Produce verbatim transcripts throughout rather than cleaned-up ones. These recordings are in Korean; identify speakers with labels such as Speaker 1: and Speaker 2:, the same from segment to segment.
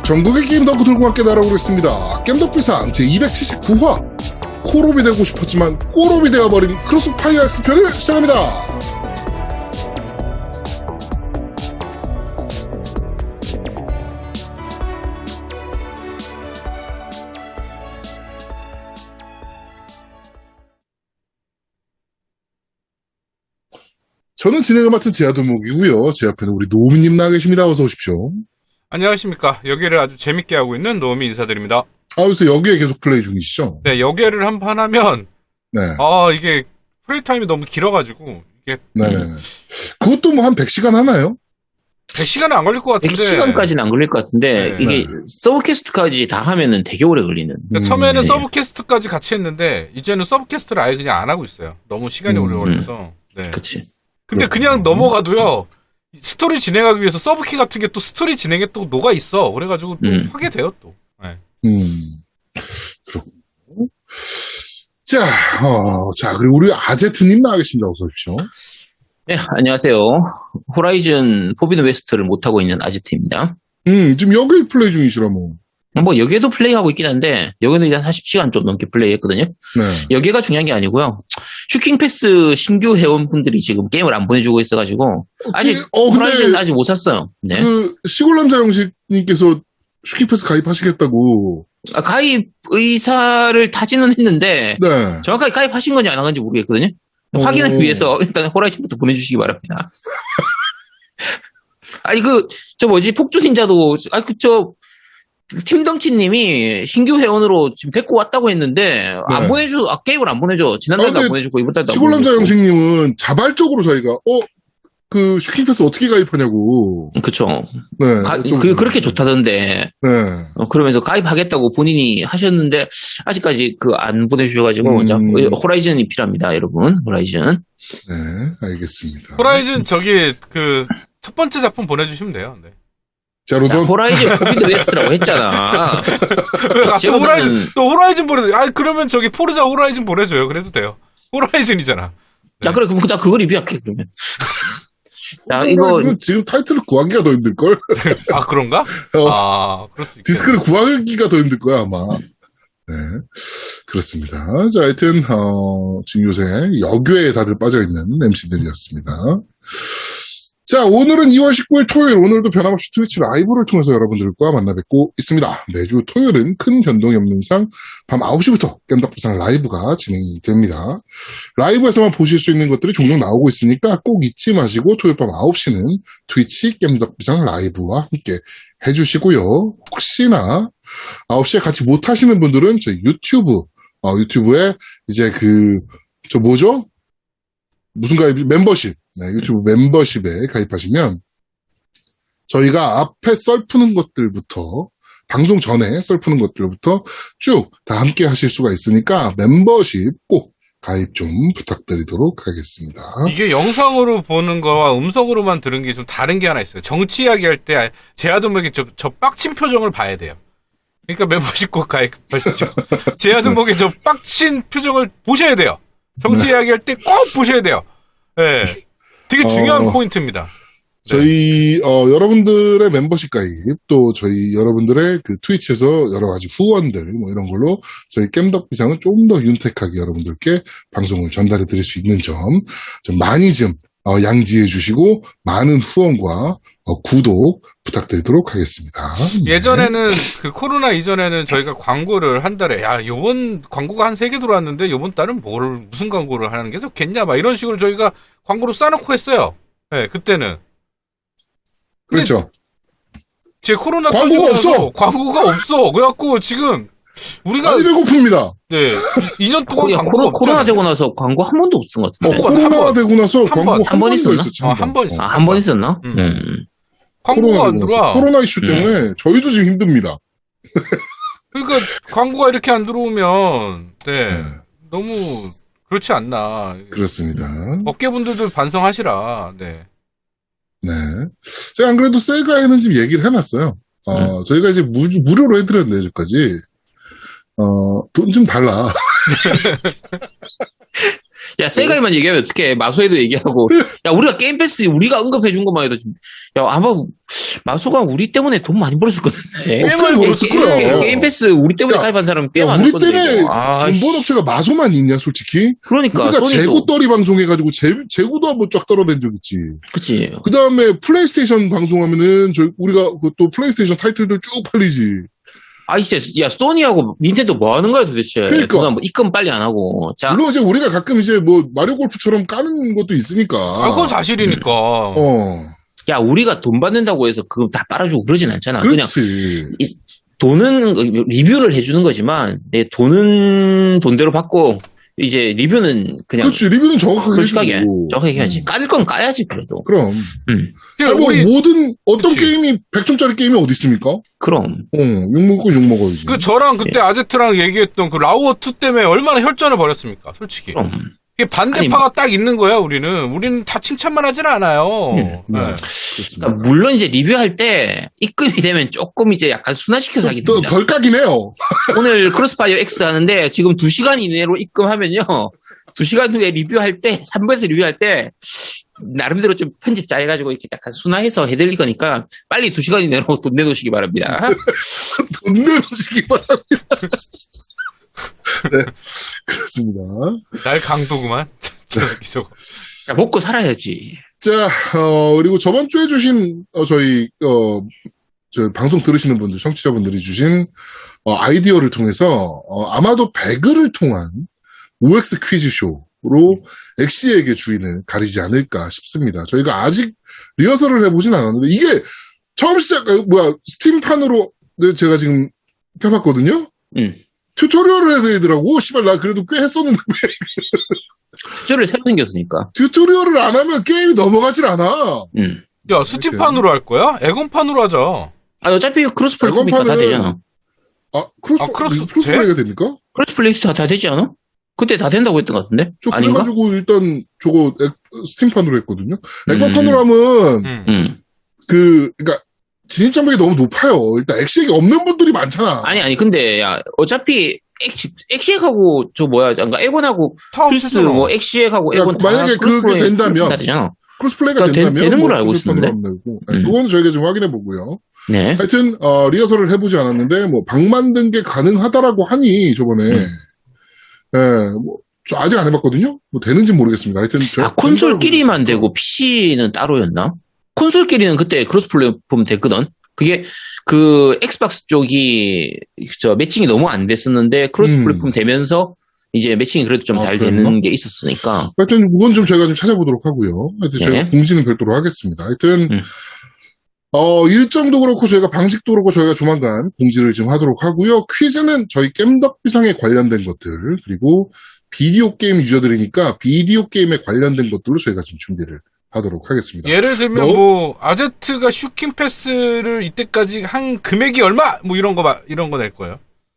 Speaker 1: 전국의 게임 덕후 들고 함께 날아오겠습니다. 겜덕비상 제이백칠십구 화 코롭이 되고 싶었지만 꼬롭이 되어버린 크로스파이어 X 편을 시작합니다. 저는 진행을 맡은 제아도목이고요. 제 앞에는 우리 노미님 나와 계십니다. 어서 오십시오.
Speaker 2: 안녕하십니까. 여기를 아주 재밌게 하고 있는 노미 인사드립니다.
Speaker 1: 아, 요새 여기에 계속 플레이 중이시죠?
Speaker 2: 네, 여기를 한 판 하면
Speaker 1: 네.
Speaker 2: 아, 이게 플레이 타임이 너무 길어가지고 이게
Speaker 1: 네네. 그것도 뭐 한 백 시간 하나요?
Speaker 2: 백 시간은 안 걸릴 것 같은데.
Speaker 3: 백 시간까지는 안 걸릴 것 같은데,
Speaker 2: 네.
Speaker 3: 이게
Speaker 1: 네.
Speaker 3: 서브캐스트까지 다 하면은 되게 오래 걸리는.
Speaker 2: 그러니까
Speaker 1: 음,
Speaker 2: 처음에는
Speaker 3: 네.
Speaker 2: 서브캐스트까지 같이 했는데 이제는 서브캐스트를 아예 그냥 안 하고 있어요. 너무 시간이
Speaker 1: 음,
Speaker 2: 오래 걸려서. 네.
Speaker 3: 그치.
Speaker 2: 근데 그냥 넘어가도요. 스토리 진행하기 위해서 서브키 같은 게 또 스토리 진행에 또 녹아 있어. 그래가지고 또
Speaker 3: 음.
Speaker 2: 하게 돼요 또. 네.
Speaker 1: 음, 그렇군요. 자, 어, 자, 그리고 우리 아제트님 나와 계십니다. 어서 오십시오.
Speaker 3: 네, 안녕하세요. 호라이즌 포비드 웨스트를 못하고 있는 아지트입니다.
Speaker 1: 음, 지금 여기 플레이 중이시라 뭐.
Speaker 3: 뭐, 여기에도 플레이하고 있긴 한데, 여기는 이제 한 사십 시간 좀 넘게 플레이했거든요.
Speaker 1: 네.
Speaker 3: 여기가 중요한 게 아니고요. 슈킹패스 신규 회원분들이 지금 게임을 안 보내주고 있어가지고, 아직,
Speaker 1: 그, 어,
Speaker 3: 호라이즌
Speaker 1: 근데
Speaker 3: 아직 못 샀어요. 네.
Speaker 1: 그 시골남자 영식님께서 슈킹패스 가입하시겠다고.
Speaker 3: 아, 가입 의사를 타지는 했는데,
Speaker 1: 네.
Speaker 3: 정확하게 가입하신 건지 안 한 건지 모르겠거든요.
Speaker 1: 오.
Speaker 3: 확인을 위해서 일단 호라이즌부터 보내주시기 바랍니다. 아니 그 저 뭐지 폭주닌자도 아니 그저 팀덩치님이 신규 회원으로 지금 데리고 왔다고 했는데
Speaker 1: 네.
Speaker 3: 안 보내줘 아, 게임을 안 보내줘 지난달도
Speaker 1: 아, 근데
Speaker 3: 안 보내주고 이번 달도 안
Speaker 1: 시골남자
Speaker 3: 보내주고.
Speaker 1: 영식님은 자발적으로 저희가, 어, 그 슈킹패스 어떻게 가입하냐고.
Speaker 3: 그쵸.
Speaker 1: 네.
Speaker 3: 가,
Speaker 1: 좀-
Speaker 3: 그 그렇게 좋다던데
Speaker 1: 네.
Speaker 3: 어, 그러면서 가입하겠다고 본인이 하셨는데 아직까지 그 안 보내주셔가지고
Speaker 1: 음.
Speaker 3: 자, 호라이즌이 필요합니다 여러분 호라이즌.
Speaker 1: 네. 알겠습니다.
Speaker 2: 호라이즌 저기 그 첫 번째 작품 보내주시면 돼요. 네.
Speaker 1: 자,
Speaker 3: 야,
Speaker 1: 로던.
Speaker 3: 호라이즌 포비드 웨스트라고 했잖아.
Speaker 2: 왜 갑자기
Speaker 3: 제보다는-
Speaker 2: 호라이즌 또 호라이즌 보내? 아 그러면 저기 포르자 호라이즌 보내줘요. 그래도 돼요. 호라이즌이잖아.
Speaker 3: 야 그래 그럼 나 그거 리뷰할게 그러면. 자 이거
Speaker 1: 지금, 지금 타이틀을 구하기가 더 힘들걸?
Speaker 2: 아 그런가?
Speaker 1: 어.
Speaker 2: 아 그럴 수 있겠네.
Speaker 1: 디스크를 구하기가 더 힘들 거야, 아마. 네. 그렇습니다. 자, 하여튼, 어, 지금 요새 여교에 다들 빠져있는 엠씨들이었습니다. 자, 오늘은 이월 십구일 토요일, 오늘도 변함없이 트위치 라이브를 통해서 여러분들과 만나 뵙고 있습니다. 매주 토요일은 큰 변동이 없는 이상 밤 아홉 시부터 겜덕비상 라이브가 진행이 됩니다. 라이브에서만 보실 수 있는 것들이 종종 나오고 있으니까 꼭 잊지 마시고 토요일 밤 아홉 시는 트위치 겜덕비상 라이브와 함께 해주시고요. 혹시나 아홉 시에 같이 못 하시는 분들은 저희 유튜브, 어, 유튜브에 이제 그, 저 뭐죠? 무슨 가입, 멤버십. 네, 유튜브 멤버십에 가입하시면 저희가 앞에 썰 푸는 것들부터 방송 전에 썰 푸는 것들부터 쭉 다 함께 하실 수가 있으니까 멤버십 꼭 가입 좀 부탁드리도록 하겠습니다.
Speaker 2: 이게 영상으로 보는 거와 음성으로만 들은 게 좀 다른 게 하나 있어요. 정치 이야기 할 때 제아도목이 저, 저 빡친 표정을 봐야 돼요. 그러니까 멤버십 꼭 가입하십시오. 제아도목의 저 빡친 표정을 보셔야 돼요. 정치 이야기 할 때 꼭 보셔야 돼요. 예. 네. 되게 중요한
Speaker 1: 어,
Speaker 2: 포인트입니다.
Speaker 1: 저희 어, 여러분들의 멤버십 가입 또 저희 여러분들의 그 트위치에서 여러 가지 후원들 뭐 이런 걸로 저희 겜덕비상은 좀 더 윤택하게 여러분들께 방송을 전달해 드릴 수 있는 점 좀 많이 좀 어, 양지해 주시고 많은 후원과 어, 구독 부탁드리도록 하겠습니다. 네.
Speaker 2: 예전에는 그 코로나 이전에는 저희가 광고를 한 달에 야 요번 광고가 한 세 개 들어왔는데 요번 달은 뭘 무슨 광고를 하는 게 좋겠냐 막 이런 식으로 저희가 광고를 싸놓고 했어요. 네, 그때는.
Speaker 1: 그렇죠.
Speaker 2: 제 코로나
Speaker 1: 광고가
Speaker 2: 터지고 나서
Speaker 1: 없어!
Speaker 2: 광고가 없어. 그래갖고 지금 우리가
Speaker 1: 많이 배고픕니다.
Speaker 2: 네 이 년 동안
Speaker 3: 야,
Speaker 2: 광고가
Speaker 3: 코로, 코로나
Speaker 2: 없잖아요.
Speaker 3: 되고 나서 광고 한 번도 없었던 것
Speaker 1: 어,
Speaker 3: 같은데.
Speaker 2: 번,
Speaker 1: 코로나
Speaker 2: 한 번.
Speaker 1: 되고 나서
Speaker 2: 한
Speaker 1: 광고
Speaker 2: 번.
Speaker 1: 한,
Speaker 3: 한 번
Speaker 1: 번도
Speaker 3: 있었나?
Speaker 1: 있었지.
Speaker 2: 어, 한 번 있어.
Speaker 3: 아, 한 번 있었나?
Speaker 2: 음.
Speaker 3: 음.
Speaker 2: 광고가 안
Speaker 1: 되고 나서.
Speaker 2: 들어와.
Speaker 1: 코로나 이슈 때문에 저희도 지금 힘듭니다.
Speaker 2: 그러니까 광고가 이렇게 안 들어오면 네,
Speaker 1: 네,
Speaker 2: 너무 그렇지 않나.
Speaker 1: 그렇습니다.
Speaker 2: 업계분들도 반성하시라. 네.
Speaker 1: 네. 제가 안 그래도 세가에는 지금 얘기를 해놨어요. 어,
Speaker 3: 음.
Speaker 1: 저희가 이제 무, 무료로 해드렸는데, 여기까지. 어, 돈 좀 달라.
Speaker 3: 야, 세가이만 얘기하면 어떡해. 마소에도 얘기하고. 야, 우리가 게임 패스, 우리가 언급해준 것만 해도. 좀- 야, 아마, 마소가 우리 때문에 돈 많이 벌었을 건데.
Speaker 2: 꽤 많이 벌었을
Speaker 3: 게- 게-
Speaker 2: 거야.
Speaker 3: 게임 패스 우리 때문에
Speaker 1: 야,
Speaker 3: 가입한 사람 꽤
Speaker 1: 야,
Speaker 3: 많을
Speaker 1: 우리
Speaker 3: 건데.
Speaker 1: 때문에
Speaker 3: 이거. 아,
Speaker 1: 돈 번 업체가 마소만 있냐, 솔직히?
Speaker 3: 그러니까.
Speaker 1: 우리가
Speaker 3: 소니도.
Speaker 1: 재고 떨이 방송해가지고 재, 재고도 한번 쫙 떨어낸 적 있지.
Speaker 3: 그치.
Speaker 1: 그 다음에 플레이스테이션 방송하면은 저 우리가 그 또 플레이스테이션 타이틀들 쭉 팔리지.
Speaker 3: 아, 이제, 야, 소니하고 닌텐도 뭐 하는 거야 도대체.
Speaker 1: 그러니까.
Speaker 3: 누가 뭐 입금 빨리 안 하고. 자,
Speaker 1: 물론 이제 우리가 가끔 이제 뭐 마리오 골프처럼 까는 것도 있으니까.
Speaker 2: 아, 그건 사실이니까.
Speaker 1: 어,
Speaker 3: 야, 우리가 돈 받는다고 해서 그거 다 빨아주고 그러진 않잖아. 그냥
Speaker 1: 그렇지.
Speaker 3: 이- 돈은 리뷰를 해주는 거지만 내 돈은 돈대로 받고 이제 리뷰는 그냥
Speaker 1: 그렇지. 리뷰는 정확하게
Speaker 3: 솔직하게
Speaker 1: 해주고.
Speaker 3: 정확하게 해야지.
Speaker 1: 음,
Speaker 3: 까질 건 까야지 그래도.
Speaker 1: 그럼.
Speaker 3: 음,
Speaker 2: 그러니까
Speaker 1: 아니, 뭐
Speaker 2: 우리
Speaker 1: 모든 어떤
Speaker 2: 그치.
Speaker 1: 게임이 백 점짜리 게임이 어디 있습니까? 어,
Speaker 3: 그럼.
Speaker 1: 욕먹고 욕먹어야지.
Speaker 2: 그 저랑 그때 아제트랑 얘기했던 그 라우어 투 때문에 얼마나 혈전을 벌였습니까? 솔직히.
Speaker 3: 그럼.
Speaker 2: 이게 반대파가 딱 있는 거야, 우리는. 우리는 다 칭찬만 하진 않아요.
Speaker 3: 음,
Speaker 1: 네,
Speaker 2: 네.
Speaker 1: 그렇습니다.
Speaker 3: 그러니까 물론 이제 리뷰할 때 입금이 되면 조금 이제 약간 순화시켜서 하게
Speaker 1: 또
Speaker 3: 됩니다.
Speaker 1: 덜 까긴 해요.
Speaker 3: 오늘 크로스파이어 X 하는데 지금 두 시간 이내로 입금하면요. 두 시간 후에 리뷰할 때, 삼 부에서 리뷰할 때 나름대로 좀 편집 잘 해가지고 이렇게 약간 순화해서 해드릴 거니까 빨리 두 시간 이내로 돈 내놓으시기 바랍니다.
Speaker 1: 돈 내놓으시기 바랍니다. 네, 그렇습니다.
Speaker 2: 날 강도구만. 저 새끼 저거.
Speaker 3: 야, 먹고 살아야지.
Speaker 1: 자, 어, 그리고 저번 주에 주신, 어, 저희, 어, 저 방송 들으시는 분들, 청취자분들이 주신, 어, 아이디어를 통해서, 어, 아마도 배그를 통한 오엑스 퀴즈쇼로 엑시에게 주인을 가리지 않을까 싶습니다. 저희가 아직 리허설을 해보진 않았는데, 이게 처음 시작, 어, 뭐야, 스팀판으로 제가 지금 켜봤거든요?
Speaker 3: 응.
Speaker 1: 튜토리얼을 해야 되더라고. 씨발, 나 그래도 꽤 했었는데,
Speaker 3: 튜토리얼 새로 생겼으니까.
Speaker 1: 튜토리얼을 안 하면 게임이 넘어가질 않아.
Speaker 3: 응.
Speaker 2: 야, 스팀판으로 할 거야? 에건판으로 하자.
Speaker 3: 아, 어차피 크로스 플레이니까 다
Speaker 1: 에건판은-
Speaker 3: 되잖아.
Speaker 1: 아, 크로스,
Speaker 2: 아, 크로스
Speaker 1: 크로스
Speaker 2: 돼?
Speaker 1: 플레이가 됩니까?
Speaker 3: 크로스 플레이 다, 다 되지 않아? 그때 다 된다고 했던 것 같은데?
Speaker 1: 저
Speaker 3: 아닌가?
Speaker 1: 그래가지고 일단 저거 액- 스팀판으로 했거든요.
Speaker 3: 음.
Speaker 1: 액박판으로 하면
Speaker 2: 응.
Speaker 3: 응.
Speaker 1: 그, 그러니까 진입 장벽이 너무 높아요. 일단 엑시액이 없는 분들이 많잖아.
Speaker 3: 아니, 아니, 근데, 야, 어차피, 엑시, 엑시액하고, 저 뭐야, 그러니까 에곤하고,
Speaker 2: 타워
Speaker 3: 플스,
Speaker 2: 스스로.
Speaker 3: 뭐, 엑시액하고,
Speaker 1: 야,
Speaker 3: 에곤 다.
Speaker 1: 만약에
Speaker 3: 크로스
Speaker 1: 그게
Speaker 3: 플레이
Speaker 1: 된다면.
Speaker 3: 다 되잖아.
Speaker 1: 크로스 플레이가
Speaker 3: 그러니까 되-
Speaker 1: 된다면
Speaker 3: 되는
Speaker 1: 뭐
Speaker 3: 걸로 알고
Speaker 1: 크로스판으로
Speaker 3: 있었는데?
Speaker 1: 하면 되고.
Speaker 3: 음.
Speaker 1: 그건 저희가 지금 확인해 보고요.
Speaker 3: 네.
Speaker 1: 하여튼 어, 리허설을 해보지 않았는데 뭐 방 만든 게 가능하다라고 하니 저번에
Speaker 3: 음.
Speaker 1: 예, 뭐, 저 아직 안 해봤거든요. 뭐 되는지 모르겠습니다. 하여튼 저-
Speaker 3: 아, 콘솔끼리만 되고, 피씨는 따로였나? 콘솔끼리는 그때 크로스 플랫폼 됐거든? 그게, 그, 엑스박스 쪽이, 저, 매칭이 너무 안 됐었는데, 크로스
Speaker 1: 음.
Speaker 3: 플랫폼 되면서, 이제 매칭이 그래도 좀
Speaker 1: 아,
Speaker 3: 잘
Speaker 1: 그랬나?
Speaker 3: 되는 게 있었으니까.
Speaker 1: 하여튼 그건 좀 저희가 좀 찾아보도록 하고요. 하여튼
Speaker 3: 네.
Speaker 1: 저희가 공지는 별도로 하겠습니다. 하여튼
Speaker 3: 음.
Speaker 1: 어, 일정도 그렇고 저희가 방식도 그렇고 저희가 조만간 공지를 좀 하도록 하고요. 퀴즈는 저희 겜덕비상에 관련된 것들 그리고 비디오 게임 유저들이니까 비디오 게임에 관련된 것들로 저희가 좀 준비를 하도록 하겠습니다.
Speaker 2: 예를 들면
Speaker 1: 너-
Speaker 2: 뭐 아제트가 슈킹 패스를 이때까지 한 금액이 얼마? 뭐 이런 거 봐- 이런 거 낼 거예요.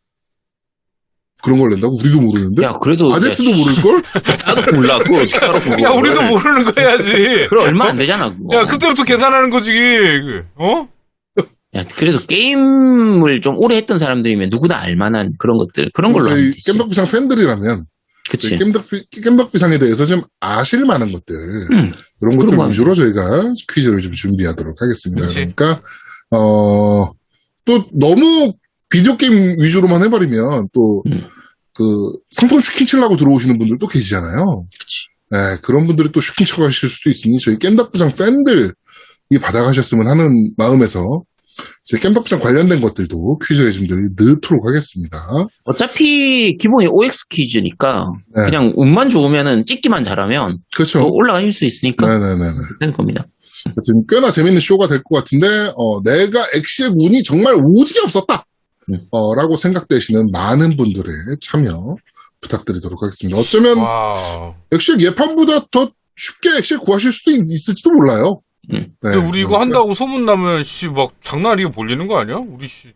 Speaker 1: 그런 걸 낸다고? 우리도 모르는데?
Speaker 3: 야, 그래도.
Speaker 1: 아제트도
Speaker 3: 야,
Speaker 1: 모를걸?
Speaker 3: 나도 몰라. 그걸 어떻게 알아, 그거.
Speaker 2: 야, 우리도 모르는 거 해야지.
Speaker 3: 그럼 얼마 안 되잖아, 그거.
Speaker 2: 야, 그때부터 계산하는 거지. 어?
Speaker 3: 야, 그래도 게임을 좀 오래 했던 사람들이면 누구나 알만한 그런 것들. 그런 걸로 하면
Speaker 1: 저희
Speaker 3: 되지.
Speaker 1: 겜덕비상 팬들이라면
Speaker 3: 그치.
Speaker 1: 저희 겜덕비, 겜덕비상에 대해서 좀 아실 만한 것들
Speaker 3: 음.
Speaker 1: 이런 것들
Speaker 3: 그런 거
Speaker 1: 위주로 저희가 퀴즈를 좀 준비하도록 하겠습니다.
Speaker 2: 그치.
Speaker 1: 그러니까 어, 또 너무 비디오 게임 위주로만 해버리면 또
Speaker 3: 음.
Speaker 1: 그 상품 슈킹 치려고 들어오시는 분들도 계시잖아요.
Speaker 3: 그치.
Speaker 1: 네, 그런 분들이 또 슈킹 쳐가실 수도 있으니 저희 겜덕비상 팬들이 받아가셨으면 하는 마음에서 저희 겜덕비상 관련된 것들도 퀴즈에 좀 넣도록 하겠습니다.
Speaker 3: 어차피 기본이 오엑스 퀴즈니까
Speaker 1: 네.
Speaker 3: 그냥 운만 좋으면은 찍기만 잘하면
Speaker 1: 그렇죠.
Speaker 3: 더 올라가실 수 있으니까
Speaker 1: 네네네네.
Speaker 3: 되는 겁니다.
Speaker 1: 하여튼 꽤나 재밌는 쇼가 될 것 같은데, 어, 내가 엑시의 운이 정말 오지게 없었다!
Speaker 3: 음.
Speaker 1: 어, 라고 생각되시는 많은 분들의 참여 부탁드리도록 하겠습니다. 어쩌면
Speaker 2: 와.
Speaker 1: 엑시의 예판보다 더 쉽게 엑시를 구하실 수도 있, 있을지도 몰라요.
Speaker 3: 음.
Speaker 1: 네,
Speaker 2: 근데 우리 이거
Speaker 1: 그러니까
Speaker 2: 한다고 소문나면, 씨, 막 장난 아니게 몰리는 거 아니야? 우리 씨.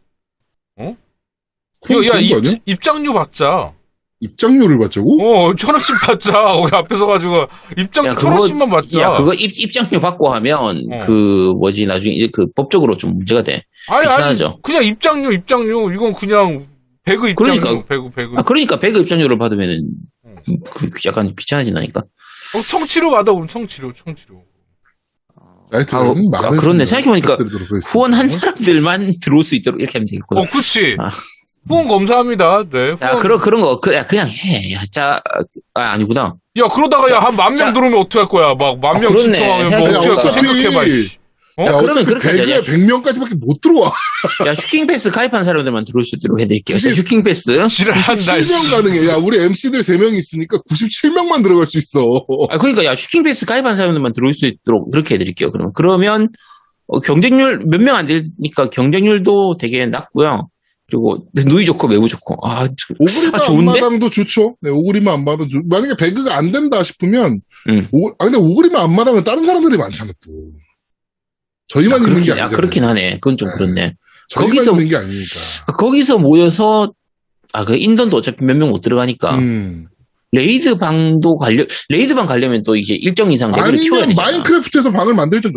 Speaker 1: 그럼
Speaker 2: 야, 야,
Speaker 1: 좋은 거 아니야?
Speaker 2: 입, 입장료 받자.
Speaker 1: 입장료를 받자고?
Speaker 2: 어, 천 원씩 받자. 거기 앞에 서가지고. 입장료
Speaker 3: 야,
Speaker 2: 천
Speaker 3: 그거-
Speaker 2: 원씩만 받자.
Speaker 3: 야, 그거 입, 입장료 받고 하면
Speaker 2: 어.
Speaker 3: 그 뭐지 나중에 이제 그 법적으로 좀 문제가 돼.
Speaker 2: 아니, 아니,
Speaker 3: 귀찮아져.
Speaker 2: 그냥 입장료, 입장료. 이건 그냥 배그 입장료.
Speaker 3: 그러니까.
Speaker 2: 배그, 배그.
Speaker 3: 아, 그러니까 배그 입장료를 받으면은
Speaker 2: 음.
Speaker 3: 그 약간 귀찮아진다니까.
Speaker 2: 어, 청취료 받아, 그럼 청취료, 청취료.
Speaker 1: 하여튼
Speaker 3: 아, 어,
Speaker 1: 많은
Speaker 3: 아, 그렇네.
Speaker 1: 참여
Speaker 3: 생각해보니까
Speaker 1: 부탁드리도록 하겠습니다.
Speaker 3: 후원한 사람들만 들어올 수 있도록 이렇게 하면 되겠구나.
Speaker 2: 어, 그치.
Speaker 3: 아.
Speaker 2: 후원 감사합니다. 네.
Speaker 3: 야,
Speaker 2: 후원.
Speaker 3: 그런, 그런 거, 그, 야, 그냥 해. 야, 짜, 아, 아니구나.
Speaker 2: 야, 그러다가 야, 한 만 명
Speaker 3: 자.
Speaker 2: 들어오면 어떡할 거야? 막, 만
Speaker 3: 아,
Speaker 2: 명
Speaker 3: 그렇네.
Speaker 2: 신청하면 뭐
Speaker 3: 생각해-
Speaker 2: 어떻게 할까?
Speaker 1: 어차피-
Speaker 2: 생각해봐, 씨. 어?
Speaker 1: 야,
Speaker 3: 그러면
Speaker 1: 어차피
Speaker 3: 그렇게 하자.
Speaker 1: 배그에 백 명까지밖에 못 들어와.
Speaker 3: 야, 슈킹패스 가입한 사람들만 들어올 수 있도록 해드릴게요. 자,
Speaker 1: 그게-
Speaker 3: 슈킹패스.
Speaker 2: 지랄한다, 씨.
Speaker 1: 구십칠 명 가능해. 야, 우리 엠씨들 세 명이 있으니까 구십칠 명만 들어갈 수 있어.
Speaker 3: 아, 그러니까, 야, 슈킹패스 가입한 사람들만 들어올 수 있도록 그렇게 해드릴게요. 그러면. 그러면, 어, 경쟁률, 몇 명 안 되니까 경쟁률도 되게 낮고요. 그리고, 누이 좋고, 매우 좋고. 아, 참.
Speaker 1: 오그리마
Speaker 3: 아, 좋은데?
Speaker 1: 앞마당도 좋죠. 네, 오그리마 앞마당 좋 만약에 배그가 안 된다 싶으면,
Speaker 3: 음.
Speaker 1: 오, 아, 근데 오그리마 앞마당은 다른 사람들이 많잖아, 또. 저희만
Speaker 3: 아,
Speaker 1: 있는 게
Speaker 3: 그렇긴,
Speaker 1: 아니잖아요.
Speaker 3: 아, 그렇긴 하네. 그건 좀
Speaker 1: 네.
Speaker 3: 그렇네.
Speaker 1: 저희만
Speaker 3: 거기서-
Speaker 1: 있는 게 아니니까.
Speaker 3: 거기서 모여서, 아, 그 인던도 어차피 몇 명 못 들어가니까.
Speaker 1: 음.
Speaker 3: 레이드 방도 가려, 레이드 방 가려면 또 이제 일정 이상 레벨을 키워야
Speaker 1: 아니면
Speaker 3: 되잖아.
Speaker 1: 마인크래프트에서 방을 만들든가.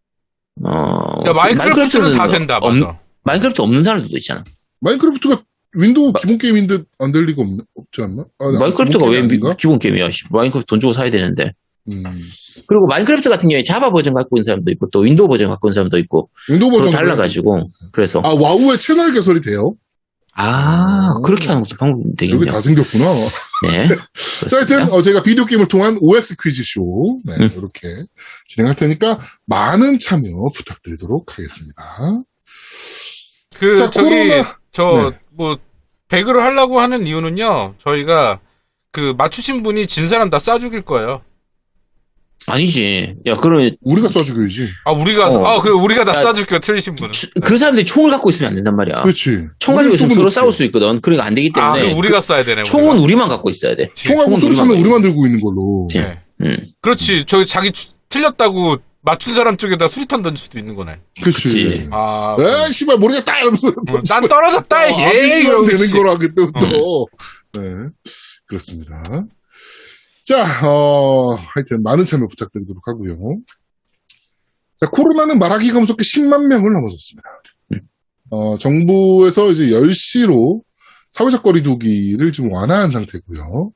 Speaker 3: 어,
Speaker 2: 야, 마인크래프트는 다 된다,
Speaker 3: 없-
Speaker 2: 맞아.
Speaker 3: 마인크래프트 없는 사람들도 있잖아.
Speaker 1: 마인크래프트가 윈도우 기본 게임인데 안 될 리가 없, 없지 않나? 아,
Speaker 3: 마인크래프트가
Speaker 1: 기본
Speaker 3: 왜
Speaker 1: 게임이
Speaker 3: 미-
Speaker 1: 아닌가?
Speaker 3: 기본 게임이야? 씨, 마인크래프트 돈 주고 사야 되는데.
Speaker 1: 음.
Speaker 3: 그리고 마인크래프트 같은 경우에 자바 버전 갖고 있는 사람도 있고, 또 윈도우 버전 갖고 있는 사람도 있고,
Speaker 1: 윈도우
Speaker 3: 서로
Speaker 1: 버전
Speaker 3: 달라가지고, 그래서.
Speaker 1: 아, 와우의 채널 개설이 돼요?
Speaker 3: 아, 그렇게 하는 것도 방법이
Speaker 1: 여기
Speaker 3: 되겠네요.
Speaker 1: 다 생겼구나.
Speaker 3: 네.
Speaker 1: 자, 하여튼,
Speaker 3: 그렇습니다.
Speaker 1: 어, 제가 비디오 게임을 통한 오엑스 퀴즈쇼, 네,
Speaker 3: 음.
Speaker 1: 이렇게 진행할 테니까 많은 참여 부탁드리도록 하겠습니다.
Speaker 2: 그,
Speaker 1: 자,
Speaker 2: 저기,
Speaker 1: 코로나-
Speaker 2: 저,
Speaker 1: 네.
Speaker 2: 뭐, 배그를 하려고 하는 이유는요, 저희가, 그, 맞추신 분이 진 사람 다 쏴 죽일 거예요.
Speaker 3: 아니지. 야, 그러면,
Speaker 1: 우리가 쏴주겨야지.
Speaker 2: 아, 우리가,
Speaker 3: 어.
Speaker 2: 아, 그, 우리가 다
Speaker 3: 야,
Speaker 2: 쏴 줄게요, 틀리신 분은.
Speaker 3: 치- 그 사람들이 총을 갖고 있으면 안 된단 말이야.
Speaker 1: 그렇지.
Speaker 3: 총 가지고 있으면
Speaker 1: 우리
Speaker 3: 서로
Speaker 1: 쏘면
Speaker 3: 싸울 수 있거든. 그러니까 안 되기
Speaker 2: 아,
Speaker 3: 때문에.
Speaker 2: 그럼 우리가 쏴야 되네,
Speaker 3: 총은
Speaker 2: 우리가.
Speaker 3: 우리만 갖고 있어야 돼.
Speaker 1: 총하고
Speaker 3: 총은
Speaker 1: 수류탄은
Speaker 3: 우리만
Speaker 1: 우리만 들고 있는 걸로.
Speaker 3: 그치.
Speaker 2: 네.
Speaker 3: 음.
Speaker 2: 그렇지. 저기 자기 추- 틀렸다고 맞춘 사람 쪽에다 수리탄 던질 수도 있는 거네.
Speaker 1: 그렇지.
Speaker 3: 그치.
Speaker 2: 아,
Speaker 1: 에이, 씨발, 모르겠다! 이러면서.
Speaker 2: 어, 난 떨어졌다!
Speaker 1: 아,
Speaker 2: 예!
Speaker 1: 이러면
Speaker 2: 이러고
Speaker 1: 되는
Speaker 2: 씨.
Speaker 1: 거라, 그때부터. 네. 그렇습니다. 자, 어, 하여튼, 많은 참여 부탁드리도록 하고요. 자, 코로나는 말하기가 무섭게 십만 명을 넘어섰습니다. 어, 정부에서 이제 열 시로 사회적 거리두기를 좀 완화한 상태고요.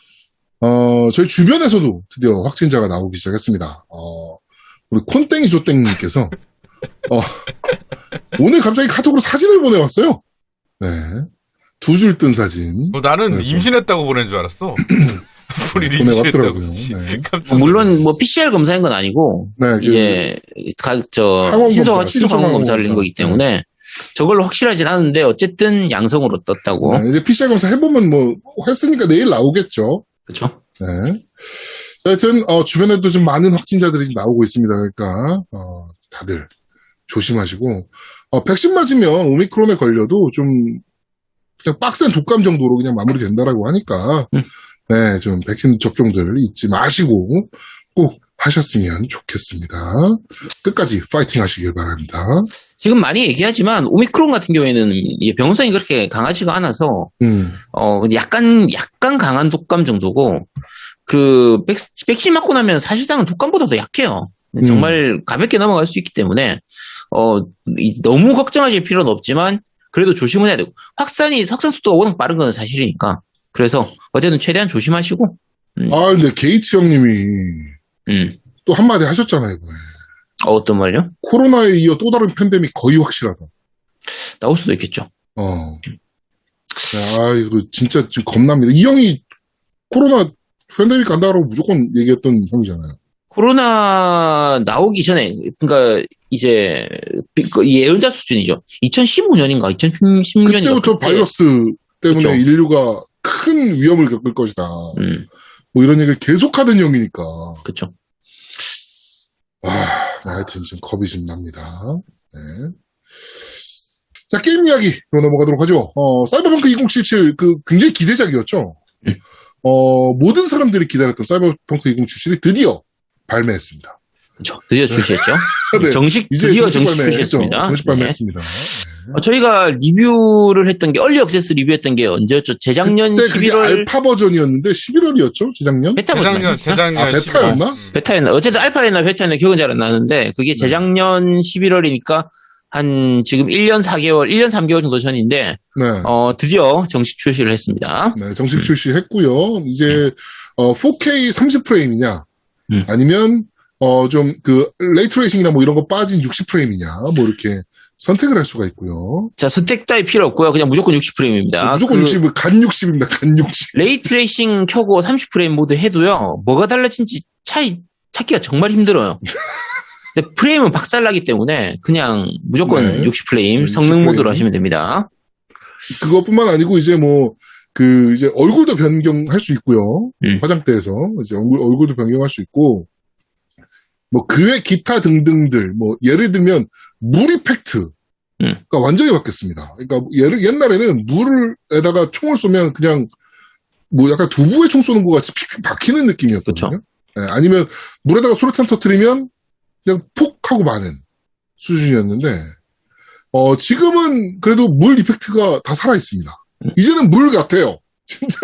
Speaker 1: 어, 저희 주변에서도 드디어 확진자가 나오기 시작했습니다. 어, 우리 콘땡이 조땡님께서, 어, 오늘 갑자기 카톡으로 사진을 보내왔어요. 네. 두 줄 뜬 사진.
Speaker 2: 어, 나는
Speaker 1: 네,
Speaker 2: 임신했다고 보낸 줄 알았어. 우리
Speaker 1: 보내왔더라고요.
Speaker 2: 임신했다고.
Speaker 1: 네.
Speaker 2: 깜짝
Speaker 3: 뭐 물론 뭐 피씨알 검사인 건 아니고
Speaker 1: 네, 그
Speaker 3: 이제 가, 저
Speaker 1: 항원
Speaker 3: 신속
Speaker 1: 검사,
Speaker 3: 신속 항원 검사를 낸
Speaker 1: 검사.
Speaker 3: 거기 때문에 저걸로 확실하진 않은데 어쨌든 양성으로 떴다고.
Speaker 1: 네, 이제 피씨알 검사 해보면 뭐, 했으니까 내일 나오겠죠.
Speaker 3: 그렇죠?
Speaker 1: 네. 자, 하여튼, 어, 주변에도 좀 많은 확진자들이 나오고 있습니다. 그러니까, 어, 다들 조심하시고, 어, 백신 맞으면 오미크론에 걸려도 좀, 그냥 빡센 독감 정도로 그냥 마무리된다라고 하니까,
Speaker 3: 음.
Speaker 1: 네, 좀 백신 접종들 잊지 마시고 꼭 하셨으면 좋겠습니다. 끝까지 파이팅 하시길 바랍니다.
Speaker 3: 지금 많이 얘기하지만 오미크론 같은 경우에는 이 병성이 그렇게 강하지가 않아서
Speaker 1: 음,
Speaker 3: 어 약간 약간 강한 독감 정도고 그 백, 백신 맞고 나면 사실상은 독감보다 더 약해요. 정말 가볍게 넘어갈 수 있기 때문에 어 이- 너무 걱정하실 필요는 없지만 그래도 조심은 해야 되고 확산이 확산 속도가 워낙 빠른 건 사실이니까 그래서 어쨌든 최대한 조심하시고
Speaker 1: 아, 근데 게이츠 형님이
Speaker 3: 음
Speaker 1: 또 한마디 하셨잖아요, 이번에.
Speaker 3: 어, 어떤 말요?
Speaker 1: 코로나에 이어 또 다른 팬데믹 거의 확실하다.
Speaker 3: 나올 수도 있겠죠.
Speaker 1: 어. 아, 이거 진짜 지금 겁납니다. 이 형이 코로나 팬데믹 간다고 무조건 얘기했던 형이잖아요.
Speaker 3: 코로나 나오기 전에 그러니까 이제 그 예언자 수준이죠. 이천십오 년인가 이천십육 년인가
Speaker 1: 그때부터 바이러스 때문에
Speaker 3: 그쵸.
Speaker 1: 인류가 큰 위험을 겪을 것이다.
Speaker 3: 음
Speaker 1: 뭐 이런 얘기를 계속하던 형이니까.
Speaker 3: 그렇죠.
Speaker 1: 아, 하여튼 좀 겁이 좀 납니다. 네. 자, 게임 이야기로 넘어가도록 하죠. 어, 사이버펑크 이천칠십칠, 그, 굉장히 기대작이었죠.
Speaker 3: 음.
Speaker 1: 어, 모든 사람들이 기다렸던 사이버펑크 이천칠십칠이 드디어 발매했습니다.
Speaker 3: 그렇죠. 드디어 출시했죠.
Speaker 1: 네.
Speaker 3: 정식
Speaker 1: 이제
Speaker 3: 드디어
Speaker 1: 정식
Speaker 3: 정식
Speaker 1: 발매했죠.
Speaker 3: 출시했습니다.
Speaker 1: 정식
Speaker 3: 네.
Speaker 1: 발매했습니다.
Speaker 3: 어, 저희가 리뷰를 했던 게 얼리 액세스 리뷰했던 게 언제였죠? 재작년
Speaker 1: 그때 그게
Speaker 3: 십일월
Speaker 1: 알파 버전이었는데 십일월이었죠? 재작년?
Speaker 3: 베타
Speaker 2: 재작년,
Speaker 3: 버전
Speaker 2: 재작년.
Speaker 1: 아, 베타였나?
Speaker 2: 십일 월.
Speaker 3: 베타였나? 어쨌든 알파였나 베타였나 기억은 잘 안 나는데 그게 재작년 십일월이니까 한 지금 일 년 사 개월, 일 년 삼 개월 정도 전인데,
Speaker 1: 네.
Speaker 3: 어, 드디어 정식 출시를 했습니다.
Speaker 1: 네, 정식 출시했고요. 이제 어, 포케이 삼십 프레임이냐,
Speaker 3: 음.
Speaker 1: 아니면 어, 좀 그 레이트레이싱이나 뭐 이런 거 빠진 육십 프레임이냐, 뭐 이렇게 선택을 할 수가 있고요.
Speaker 3: 자, 선택 따위 필요 없고요. 그냥 무조건 육십 프레임입니다.
Speaker 1: 무조건
Speaker 3: 그
Speaker 1: 육십, 간 육십입니다. 간 육십.
Speaker 3: 레이트레이싱 켜고 삼십 프레임 모드 해도요, 뭐가 달라진지 차이, 찾기가 정말 힘들어요. 근데 프레임은 박살나기 때문에 그냥 무조건
Speaker 1: 네.
Speaker 3: 육십 프레임
Speaker 1: 네,
Speaker 3: 성능
Speaker 1: 육십
Speaker 3: 모드로
Speaker 1: 프레임.
Speaker 3: 하시면 됩니다.
Speaker 1: 그것뿐만 아니고 이제 뭐 그 이제 얼굴도 변경할 수 있고요.
Speaker 3: 음.
Speaker 1: 화장대에서 이제 얼굴 얼굴도 변경할 수 있고 뭐 그의 기타 등등들 뭐 예를 들면 물 이펙트가
Speaker 3: 음.
Speaker 1: 완전히 바뀌었습니다. 그러니까 예를 옛날에는 물에다가 총을 쏘면 그냥 뭐 약간 두부에 총 쏘는 것 같이 픽픽 박히는 느낌이었거든요.
Speaker 3: 그쵸.
Speaker 1: 예, 아니면 물에다가 수류탄 터뜨리면 그냥 폭 하고 마는 수준이었는데 어 지금은 그래도 물 이펙트가 다 살아 있습니다. 이제는 물 같아요. 진짜.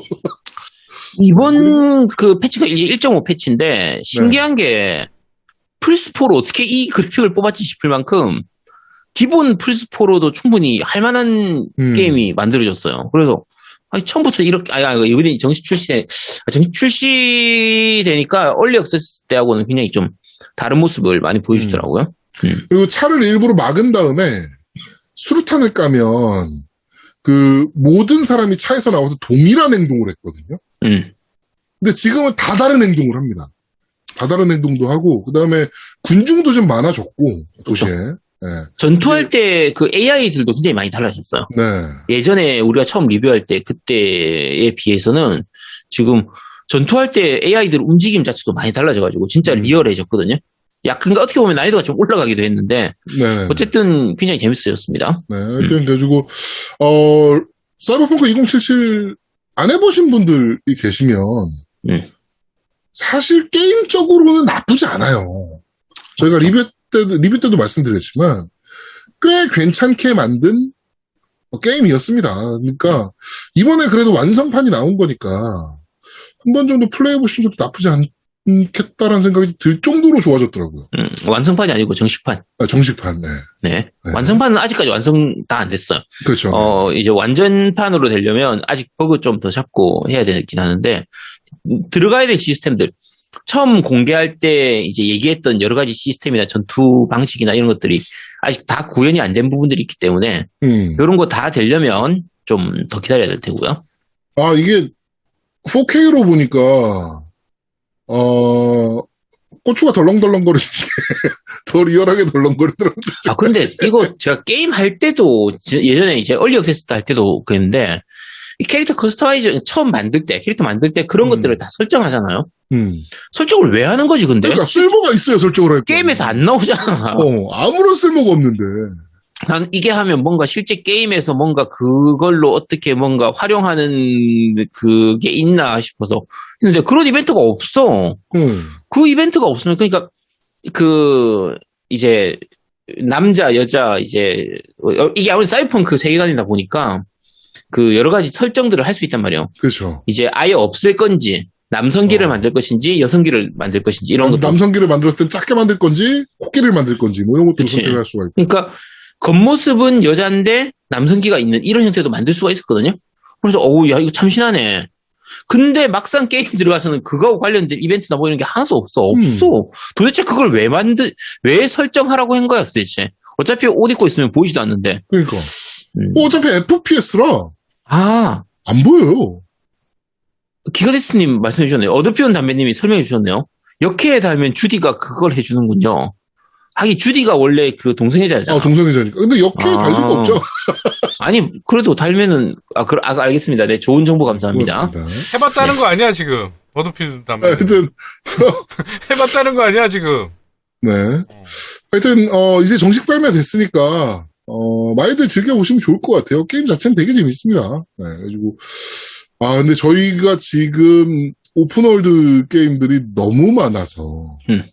Speaker 3: 이번 그 패치가 이제 일 점 오 패치인데 신기한 게 플스사로 어떻게 이 그래픽을 뽑았지 싶을 만큼 기본 플스사로도 충분히 할 만한
Speaker 1: 음.
Speaker 3: 게임이 만들어졌어요. 그래서 아니, 처음부터 이렇게 아니, 아니 이번에 정식 출시 정식 출시되니까 얼리 액세스 때하고는 굉장히 좀 다른 모습을 많이 보여주더라고요. 음.
Speaker 1: 그리고 차를 일부러 막은 다음에 수류탄을 까면 그 모든 사람이 차에서 나와서 동일한 행동을 했거든요.
Speaker 3: 음.
Speaker 1: 근데 지금은 다 다른 행동을 합니다. 다 다른 행동도 하고 그 다음에 군중도 좀 많아졌고 도시에. 네.
Speaker 3: 전투할 때 그 에이아이들도 굉장히 많이 달라졌어요.
Speaker 1: 네.
Speaker 3: 예전에 우리가 처음 리뷰할 때 그때에 비해서는 지금 전투할 때 에이아이들 움직임 자체도 많이 달라져가지고 진짜
Speaker 1: 음.
Speaker 3: 리얼해졌거든요. 야, 그러니까 어떻게 보면 난이도가 좀 올라가기도 했는데
Speaker 1: 네.
Speaker 3: 어쨌든 굉장히 재밌어졌습니다.
Speaker 1: 네. 하여튼 그래가지고 어 사이버펑크 이천칠십칠 안 해보신 분들이 계시면
Speaker 3: 음.
Speaker 1: 사실 게임적으로는 나쁘지 않아요. 저희가 리뷰 때도 리뷰 때도 말씀드렸지만 꽤 괜찮게 만든 게임이었습니다. 그러니까 이번에 그래도 완성판이 나온 거니까 한 번 정도 플레이해 보시는 것도 나쁘지 않겠다라는 생각이 들 정도로 좋아졌더라고요.
Speaker 3: 음, 완성판이 아니고 정식판.
Speaker 1: 아, 정식판, 네.
Speaker 3: 네.
Speaker 1: 네.
Speaker 3: 완성판은 아직까지 완성 다 안 됐어요.
Speaker 1: 그렇죠.
Speaker 3: 어, 이제 완전판으로 되려면 아직 버그 좀 더 잡고 해야 되긴 하는데, 들어가야 될 시스템들. 처음 공개할 때 이제 얘기했던 여러 가지 시스템이나 전투 방식이나 이런 것들이 아직 다 구현이 안 된 부분들이 있기 때문에,
Speaker 1: 음.
Speaker 3: 이런 거 다 되려면 좀 더 기다려야 될 테고요.
Speaker 1: 아, 이게 포케이로 보니까, 어, 고추가 덜렁덜렁거리는 게 더 리얼하게 덜렁거리더라고요.
Speaker 3: 아, 근데 이거 제가 게임 할 때도, 예전에 이제 얼리 액세스 할 때도 그랬는데, 이 캐릭터 커스터마이저 처음 만들 때, 캐릭터 만들 때 그런
Speaker 1: 음.
Speaker 3: 것들을 다 설정하잖아요.
Speaker 1: 음.
Speaker 3: 설정을 왜 하는 거지, 근데?
Speaker 1: 그러니까 쓸모가 있어요, 설정을 할 때.
Speaker 3: 게임에서 안 나오잖아.
Speaker 1: 어, 아무런 쓸모가 없는데.
Speaker 3: 난 이게 하면 뭔가 실제 게임에서 뭔가 그걸로 어떻게 뭔가 활용하는 그게 있나 싶어서. 근데 그런 이벤트가 없어.
Speaker 1: 음.
Speaker 3: 그 이벤트가 없으면, 그러니까, 그, 이제, 남자, 여자, 이제, 어, 이게 아무래도 사이버펑크 세계관이다 보니까, 그 여러 가지 설정들을 할 수 있단 말이에요.
Speaker 1: 그렇죠.
Speaker 3: 이제 아예 없을 건지, 남성기를
Speaker 1: 어.
Speaker 3: 만들 것인지, 여성기를 만들 것인지, 이런
Speaker 1: 남,
Speaker 3: 것도.
Speaker 1: 남성기를 만들었을 땐 작게 만들 건지, 코끼리를 만들 건지, 뭐 이런 것도
Speaker 3: 그치.
Speaker 1: 선택할 수가 있고.
Speaker 3: 그러니까, 겉모습은 여자인데, 남성기가 있는 이런 형태도 만들 수가 있었거든요. 그래서, 어우, 야, 이거 참신하네. 근데 막상 게임 들어가서는 그거하고 관련된 이벤트나 뭐 이런 게 하나도 없어. 없어.
Speaker 1: 음.
Speaker 3: 도대체 그걸 왜 만들, 왜 설정하라고 한 거야, 도대체. 어차피 옷 입고 있으면 보이지도 않는데.
Speaker 1: 그러니까.
Speaker 3: 음.
Speaker 1: 뭐 어차피 에프피에스라
Speaker 3: 아,
Speaker 1: 안 보여요.
Speaker 3: 기가데스님 말씀해 주셨네요. 어드피온 담배님이 설명해 주셨네요. 역해에 달면 주디가 그걸 해주는군요. 하긴 주디가 원래 그 동성애자잖아.
Speaker 1: 아, 동성애자니까. 근데 역해에
Speaker 3: 아.
Speaker 1: 달 리가 없죠.
Speaker 3: 아니, 그래도 달면은, 아, 그, 아, 알겠습니다. 네, 좋은 정보 감사합니다.
Speaker 1: 그렇습니다.
Speaker 2: 해봤다는 거 아니야 지금 버드필드 담배.
Speaker 1: 하여튼,
Speaker 2: 해봤다는 거 아니야 지금.
Speaker 1: 네. 하여튼, 어, 이제 정식 발매됐으니까, 어, 많이들 즐겨보시면 좋을 것 같아요. 게임 자체는 되게 재밌습니다. 네, 그래가지고, 아, 근데 저희가 지금 오픈월드 게임들이 너무 많아서,
Speaker 3: 음.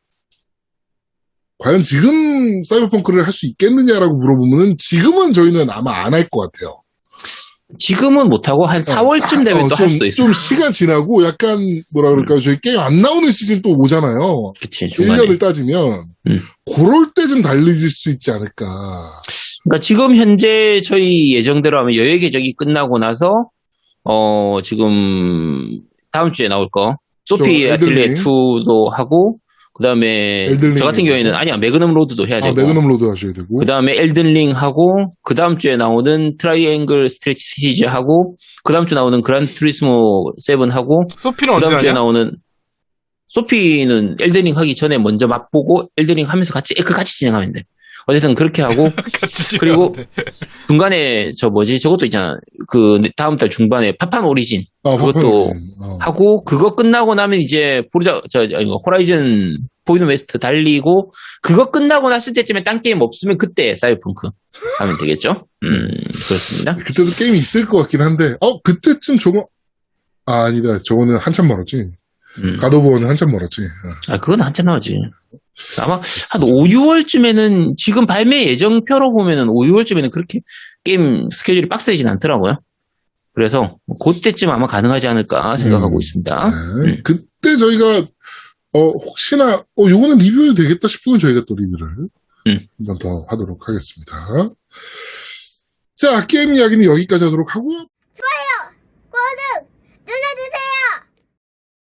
Speaker 1: 과연 지금 사이버펑크를 할 수 있겠느냐라고 물어보면은 지금은 저희는 아마 안 할 것 같아요.
Speaker 3: 지금은 못하고 한 사월쯤 되면
Speaker 1: 어,
Speaker 3: 또
Speaker 1: 좀,
Speaker 3: 할 수도 있어.
Speaker 1: 좀 시간 지나고 약간 뭐라 그럴까요? 저희 게임 안 나오는 시즌 또 오잖아요.
Speaker 3: 그치, 중간에.
Speaker 1: 일 년을 따지면
Speaker 3: 음.
Speaker 1: 그럴 때 좀 달려질 수 있지 않을까.
Speaker 3: 그러니까 지금 현재 저희 예정대로 하면 여행 계적이 끝나고 나서 어 지금 다음 주에 나올 거 소피
Speaker 1: 저
Speaker 3: 아틀리에
Speaker 1: 엘든링.
Speaker 3: 이도 하고 그다음에
Speaker 1: 엘든링
Speaker 3: 저 같은 경우에는
Speaker 1: 하고.
Speaker 3: 아니야 매그넘 로드도 해야
Speaker 1: 아,
Speaker 3: 되고
Speaker 1: 매그넘 로드 하셔야 되고.
Speaker 3: 그다음에 엘든링 하고 그다음 주에 나오는 트라이앵글 스트레티지 하고 그다음 주 나오는 그란 투리스모 칠 하고
Speaker 2: 소피는 언제
Speaker 3: 그다음 주에
Speaker 2: 하냐?
Speaker 3: 나오는 소피는 엘든링 하기 전에 먼저 맛보고 엘든링 하면서 같이 그 같이 진행하면 돼. 어쨌든 그렇게 하고
Speaker 2: 같이
Speaker 3: 그리고
Speaker 2: 진행하는데.
Speaker 3: 중간에 저 뭐지 저것도 있잖아. 그 다음 달 중반에 파판 오리진
Speaker 1: 아,
Speaker 3: 그것도
Speaker 1: 파파노진. 어.
Speaker 3: 하고 그거 끝나고 나면 이제 포르자 저 아니, 호라이즌 포비노 웨스트 달리고 그거 끝나고 났을 때쯤에 딴 게임 없으면 그때 사이버펑크 하면 되겠죠? 음 그렇습니다.
Speaker 1: 그때도 게임이 있을 것 같긴 한데, 어, 그때쯤 저거, 아, 아니다. 저거는 한참 멀었지.
Speaker 3: 음.
Speaker 1: 가도버는 한참 멀었지. 어.
Speaker 3: 아 그건 한참 나오지. 아마 한 오, 유월쯤에는 지금 발매 예정표로 보면은 오, 유월쯤에는 그렇게 게임 스케줄이 빡세진 않더라고요. 그래서 그때쯤 아마 가능하지 않을까 생각하고
Speaker 1: 음.
Speaker 3: 있습니다.
Speaker 1: 네.
Speaker 3: 음.
Speaker 1: 그때 저희가, 어, 혹시나, 어, 요거는 리뷰 되겠다 싶으면 저희가 또 리뷰를
Speaker 3: 음.
Speaker 1: 한 번 더 하도록 하겠습니다. 자, 게임 이야기는 여기까지 하도록 하고요.
Speaker 4: 구독 눌러주세요.